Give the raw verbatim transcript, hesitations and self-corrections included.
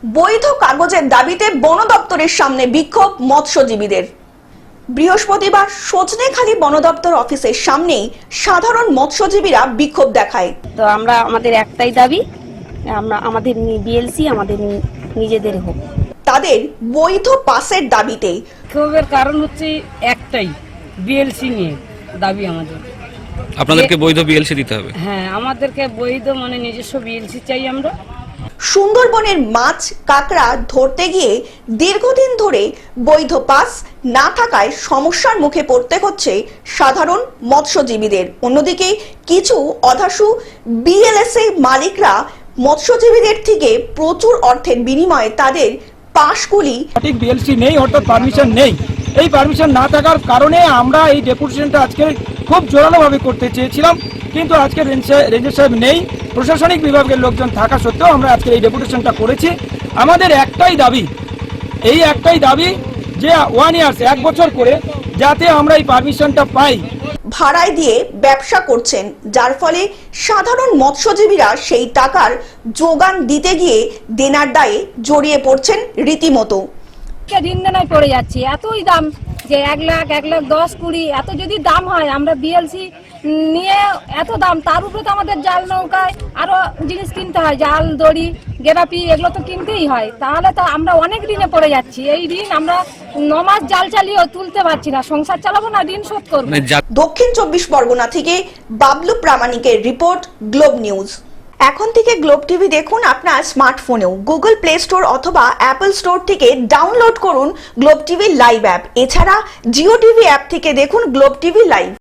বৈধ কাগজের দাবিতে বন দপ্তরের সামনে বিক্ষোভ মৎস্যজীবীদের। বৃহস্পতিবার সজনেখালি বন দপ্তর অফিসের সামনেই সাধারণ মৎস্যজীবীরা বিক্ষোভ দেখায়। তো আমরা আমাদের একটাই দাবি, আমরা আমাদের বিএলসি আমাদের নিজেদের হোক। তাদের বৈধ পাসের দাবিতে বিক্ষোভের কারণ হচ্ছে একটাই, বিএলসি নিয়ে দাবি আমাদের। আপনাদেরকে বৈধ বিএলসি দিতে হবে। হ্যাঁ, আমাদেরকে বৈধ মানে নিজস্ব বিএলসি চাই আমরা। সুন্দরবনের মাছ কাঁকড়া ধরতে গিয়ে দীর্ঘদিন ধরে বৈধ পাস না থাকায় সমস্যার মুখে পড়তে হচ্ছে সাধারণ মৎস্যজীবীদের। অন্যদিকে কিছু অধাসু বিএলএসএ মালিকরা মৎস্যজীবীদের থেকে প্রচুর অর্থের বিনিময়ে তাদের পাসগুলি সঠিক বিএলসি নেই, অর্থাৎ পারমিশন নেই। এই পারমিশন না থাকার কারণে আমরা এই ডেপুটেশনটা আজকে খুব জোরালোভাবে করতে চেয়েছিলাম, কিন্তু আজকে রেঞ্জার সাহেব নেই, প্রশাসনিক বিভাগের লোকজন থাকা সত্ত্বেও আমরা আজকে এই ডেপুটেশনটা করেছি। আমাদের একটাই দাবি, এই একটাই দাবি যে ওয়ান ইয়ার্স এক বছর করে যাতে আমরা এই পারমিশনটা পাই। ভাড়ায় দিয়ে ব্যবসা করছেন, যার ফলে সাধারণ মৎস্যজীবীরা সেই টাকার যোগান দিতে গিয়ে দেনার দায়ে জড়িয়ে পড়ছেন রীতিমতো। ঋণ দেনায় পড়ে যাচ্ছি, এতই দাম যে এক লাখ এক লাখ দশ কুড়ি এত যদি দাম হয়, আমরা বিএলসি নিয়ে এত দাম, তার উপরে তো আমাদের জাল নৌকায় আরো জিনিস কিনতে হয়, জাল দড়ি গেরাপি এগুলো তো কিনতেই হয়। তাহলে তো আমরা অনেক ঋণে পড়ে যাচ্ছি। এই ঋণ আমরা ন মাস জাল চালিয়েও তুলতে পারছি না, সংসার চালাবো না, ঋণ শোধ করবো। দক্ষিণ চব্বিশ পরগনা থেকে বাবলু প্রামাণিকের রিপোর্ট, গ্লোব নিউজ। এখন থেকে গ্লোব টিভি দেখুন আপনার স্মার্টফোনেও। গুগল প্লে স্টোর অথবা অ্যাপল স্টোর থেকে ডাউনলোড করুন গ্লোব টিভি লাইভ অ্যাপ। এছাড়া জিও টিভি অ্যাপ থেকে দেখুন গ্লোব টিভি লাইভ।